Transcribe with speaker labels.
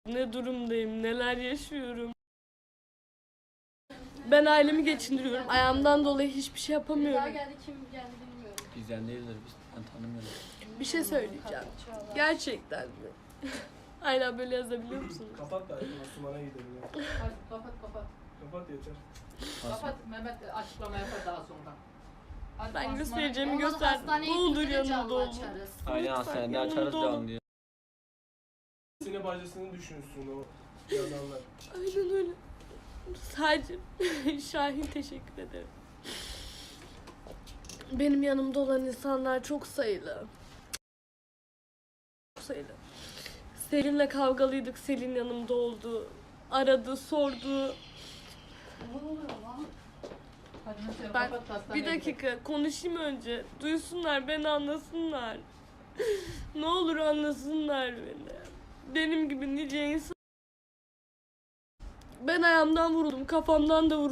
Speaker 1: Ne durumdayım, neler yaşıyorum. Ben ailemi geçindiriyorum. Ayağımdan dolayı hiçbir şey yapamıyorum.
Speaker 2: Kim geldi bilmiyorum.
Speaker 3: Bizden değildir, ben tanımıyorum.
Speaker 1: Bir şey söyleyeceğim. Gerçekten mi? Hala böyle yazabiliyor musunuz?
Speaker 4: Kapat da Asuman'a gidelim ya.
Speaker 2: Hadi kapat.
Speaker 4: Kapat yeter.
Speaker 2: Kapat, Mehmet açıklama yapar daha sonra. Hadi
Speaker 1: Ben
Speaker 2: Osman-
Speaker 1: göstereceğimi
Speaker 2: Olmadı
Speaker 1: gösterdim.
Speaker 2: hastaneye
Speaker 1: Ne olur
Speaker 2: gidince
Speaker 1: yanımda
Speaker 2: canlı
Speaker 1: olun.
Speaker 2: açarız.
Speaker 3: Aynen
Speaker 1: Lütfen
Speaker 3: hastanede
Speaker 1: yanımda
Speaker 3: açarız
Speaker 1: olun.
Speaker 3: canlı diye.
Speaker 4: Sine bacısını düşünsün o yazanlar.
Speaker 1: Aynen öyle. Sadece Şahin teşekkür ederim. Benim yanımda olan insanlar çok sayılı. Çok sayılı. Selin'le kavgalıydık. Selin yanımda oldu. Aradı, sordu.
Speaker 2: Ne oluyor lan? Hadi mesela
Speaker 1: Ben
Speaker 2: kapat, hastaneye
Speaker 1: bir dakika konuşayım önce. Duysunlar, beni anlasınlar. Ne olur anlasınlar beni. Benim gibi nice insan. Ben ayağımdan vuruldum, kafamdan da vuruldum.